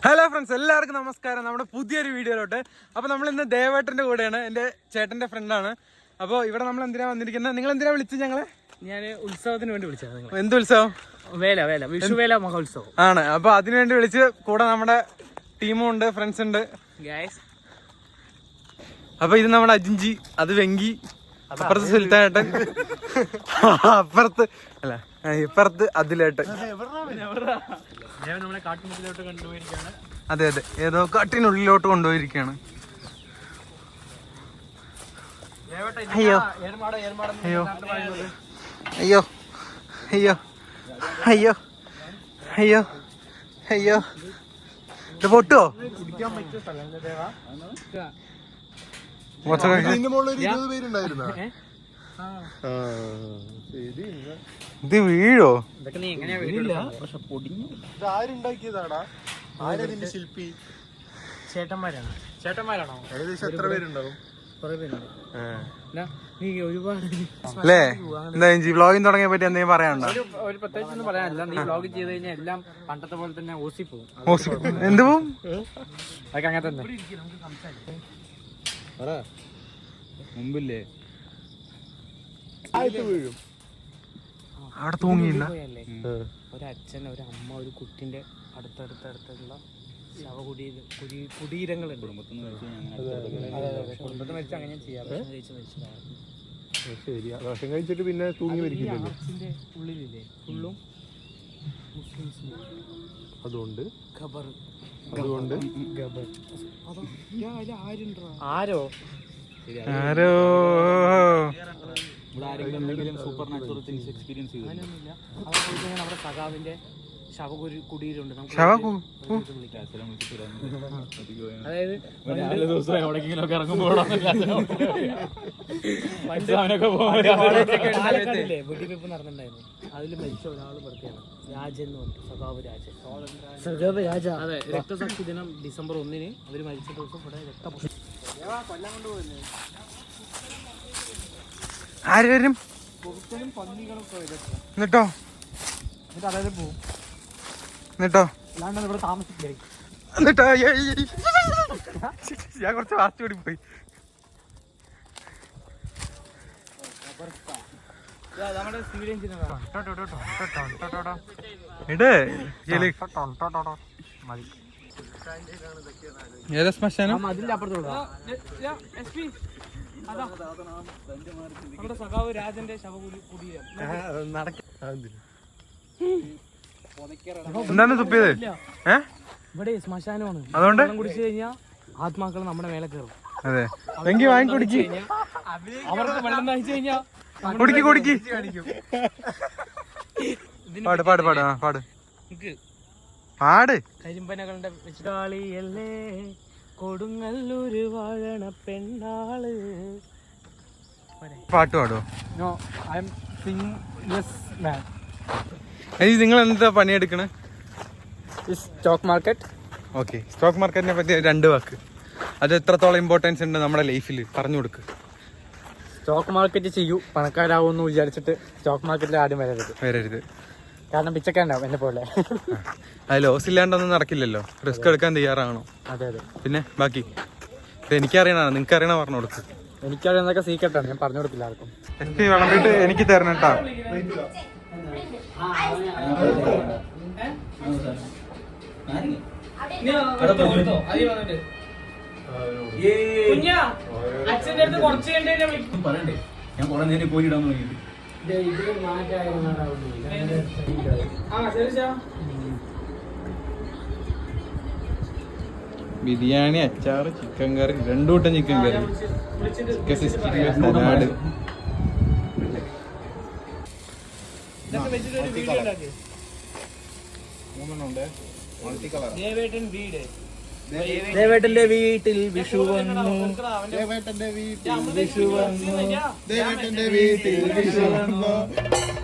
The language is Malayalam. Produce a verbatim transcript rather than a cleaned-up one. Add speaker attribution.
Speaker 1: ഹലോ ഫ്രണ്ട്സ്, എല്ലാവർക്കും നമസ്കാരം. നമ്മുടെ പുതിയൊരു വീഡിയോയിലോട്ട്. അപ്പോൾ നമ്മൾ ഇന്ന് ദേവേട്ടൻ്റെ കൂടെയാണ്, എൻ്റെ ചേട്ടൻ്റെ ഫ്രണ്ടാണ്. അപ്പോൾ ഇവിടെ നമ്മൾ എന്തിനാ വന്നിരിക്കുന്നത്? നിങ്ങൾ എന്തിനാ വിളിച്ചത് ഞങ്ങളെ?
Speaker 2: ഞാൻ ഉത്സവത്തിന് വേണ്ടി വിളിച്ചത്.
Speaker 1: എന്ത് ഉത്സവം?
Speaker 2: വേല വേല വിഷുവേല മഹോത്സവം
Speaker 1: ആണ്. അപ്പോൾ അതിനു വേണ്ടി വിളിച്ച്, കൂടെ നമ്മുടെ ടീമും ഉണ്ട്, ഫ്രണ്ട്സ് ഉണ്ട്. അപ്പോൾ ഇത് നമ്മുടെ അജിഞ്ചി, അത് വെങ്കി, അപ്പുറത്ത് സുൽത്താനേട്ടൻ, അപ്പുറത്ത് അല്ല ഇപ്പുറത്ത് അതിലേട്ടൻ.
Speaker 2: നമ്മളെ കാട്ടിനുള്ളിലോട്ട് കൊണ്ടുപോയിരിക്കുകയാണ്.
Speaker 1: അതെ അതെ, ഏതോ കാട്ടിനുള്ളിലോട്ട് കൊണ്ടുപോയിരിക്കുകയാണ്. അയ്യോ അയ്യോ അയ്യോ അയ്യോ അയ്യോ അയ്യോ അയ്യോ, ഇത് പൊട്ടുവോ? ഇത് വീഴോ?
Speaker 2: ശില്പി ചേട്ടന്മാരാണ്. ചേട്ടന്മാരാണോ?
Speaker 1: ഏകദേശം എത്ര പേരുണ്ടാവും?
Speaker 2: കുറെ പേരുണ്ട് നീ ഒരുപാട്
Speaker 1: അല്ലേ? എന്താ വ്ളോഗിങ് തുടങ്ങിയ പറ്റി എന്തെങ്കിലും പറയാനുണ്ടോ?
Speaker 2: ഒരു പ്രത്യേകിച്ച് ഒന്നും പറയാനില്ല. നീ വ്ളോഗ് ചെയ്ത് കഴിഞ്ഞാൽ എല്ലാം പണ്ടത്തെ പോലെ തന്നെ ഓസി പോകും.
Speaker 1: എന്ത് പോവും?
Speaker 2: അതൊക്കെ അങ്ങനെ തന്നെ.
Speaker 3: മുമ്പില്ലേ
Speaker 1: അവിടെ തൂങ്ങിയില്ല.
Speaker 2: ഒരച്ഛൻ, ഒരു അമ്മ, ഒരു കുട്ടിന്റെ അടുത്തടുത്തടുത്തുള്ള ശവകുടീ കുടീരങ്ങളുണ്ട്. കുടുംബത്തിൽ മരിച്ച അങ്ങനെ ചെയ്യാം.
Speaker 1: ഭക്ഷണം കഴിച്ചിട്ട് പിന്നെ തൂങ്ങി മരിക്കില്ലല്ലോ.
Speaker 2: അച്ഛന്റെ ഉള്ളിലില്ലേ ഫുള്ളും മുസ്ലിംസ്.
Speaker 1: അതുകൊണ്ട്
Speaker 2: ഖബർ
Speaker 1: അതുകൊണ്ട്
Speaker 2: ആരോ
Speaker 1: ആരോ
Speaker 3: സൂപ്പർ നാച്ചുറൽ തിങ്സ് എക്സ്പീരിയൻസ് ചെയ്തു.
Speaker 2: അങ്ങനെയൊന്നുമില്ല. അവിടെ സഖാവിന്റെ ശവകുരി കുടീരുണ്ട്. അതായത്
Speaker 3: ദിവസം എവിടെയെങ്കിലൊക്കെ ഇറങ്ങുമ്പോൾ
Speaker 2: വെടിവെപ്പ് നടന്നിട്ടുണ്ടായിരുന്നു. അതിൽ മരിച്ച ഒരാൾ പെടുത്തിയാണ് രാജൻ എന്ന് പറഞ്ഞു. സഖാവ് രാജൻ. അതെ, രക്തസാക്ഷി ദിനം ഡിസംബർ ഒന്നിന് അവര് മരിച്ച ദിവസം ഇവിടെ രക്തം കൊല്ലം കൊണ്ടുപോയില്ലേ.
Speaker 1: ആര് വരും?
Speaker 2: പന്നികളും
Speaker 1: എന്നിട്ടോ
Speaker 2: എന്നിട്ട് അതായത് പോവും.
Speaker 1: എന്നിട്ടോ
Speaker 2: അല്ലാണ്ട് ഇവിടെ താമസിക്കേ.
Speaker 1: എന്നിട്ടോ ഞാൻ കുറച്ച് വാസ്റ്റ് കൂടി പോയി.
Speaker 2: നമ്മുടെ
Speaker 1: ഏതാ ശ്മശാനം?
Speaker 2: അതിന്റെ അപ്പുറത്തോട്ട് നമ്മുടെ സഖാവ് രാജന്റെ ശവകുടീരം.
Speaker 1: എന്താണ് തുപ്പിയത്? ഏ
Speaker 2: ഇവിടെ ശ്മശാനമാണ്.
Speaker 1: അതുകൊണ്ട്
Speaker 2: കുടിച്ചു കഴിഞ്ഞാൽ ആത്മാക്കൾ നമ്മുടെ മേലെ കയറും.
Speaker 1: അതെ, എങ്കിൽ വാങ്ങി കുടിക്ക്.
Speaker 2: അവർക്ക് വെള്ളം നയിച്ചു കഴിഞ്ഞാൽ
Speaker 1: കുടിക്ക് കുടിക്ക്. പാട് പാട് പാട് ആ പാട് പാട്.
Speaker 2: കരിമ്പനകളുടെ വെച്ചാളിയല്ലേ കൊടുങ്ങല്ലൂര് വാഴണ പെണ്ണാള്.
Speaker 1: പാട്ട് പാടുവോ?
Speaker 2: No, I am singles man.
Speaker 1: നിങ്ങൾ എന്താ പണിയെടുക്കണേ?
Speaker 2: Stock market.
Speaker 1: ഓക്കെ, സ്റ്റോക്ക് മാർക്കറ്റിനെ പറ്റി രണ്ട് വാക്ക്. അത് എത്രത്തോളം ഇമ്പോർട്ടൻസ് ഉണ്ട് നമ്മുടെ ലൈഫിൽ പറഞ്ഞു കൊടുക്ക്.
Speaker 2: സ്റ്റോക്ക് മാർക്കറ്റ് ചെയ്യൂ, പണക്കാരാവുമെന്ന് വിചാരിച്ചിട്ട് സ്റ്റോക്ക് മാർക്കറ്റിൽ ആദ്യം വരരുത്
Speaker 1: വരരുത്
Speaker 2: കാരണം പിച്ചക്കാണ്ടാവും എന്നെ പോലെ.
Speaker 1: അത് ലോസ് ഇല്ലാണ്ടൊന്നും നടക്കില്ലല്ലോ. റിസ്ക് എടുക്കാൻ തയ്യാറാണോ?
Speaker 2: അതെ അതെ.
Speaker 1: പിന്നെ ബാക്കി എനിക്കറിയണ, നിങ്ങൾക്ക് അറിയണ പറഞ്ഞു കൊടുക്ക്.
Speaker 2: എനിക്കറിയുന്നതൊക്കെ സീക്രട്ടാണ്, ഞാൻ പറഞ്ഞു കൊടുക്കില്ല ആർക്കും.
Speaker 1: എനിക്ക് വിളമ്പിട്ട് എനിക്ക് തരണം കേട്ടോ.
Speaker 3: പറയണ്ടേ, ഞാൻ കുറെ നേരം പോയിടാൻ തുടങ്ങിയിട്ട്.
Speaker 1: ബിരിയാണി, അച്ചാറ്, ചിക്കൻ കറി, രണ്ടു കൂട്ടം chicken curry, chicken sixty five, salad.
Speaker 2: ദേവേട്ടന്റെ വീട്ടിൽ വിഷു വന്നു.
Speaker 1: ദേവേട്ടന്റെ വീട്ടിൽ വിഷു വന്നു. ദേവേട്ടന്റെ വീട്ടിൽ വിഷു വന്നു.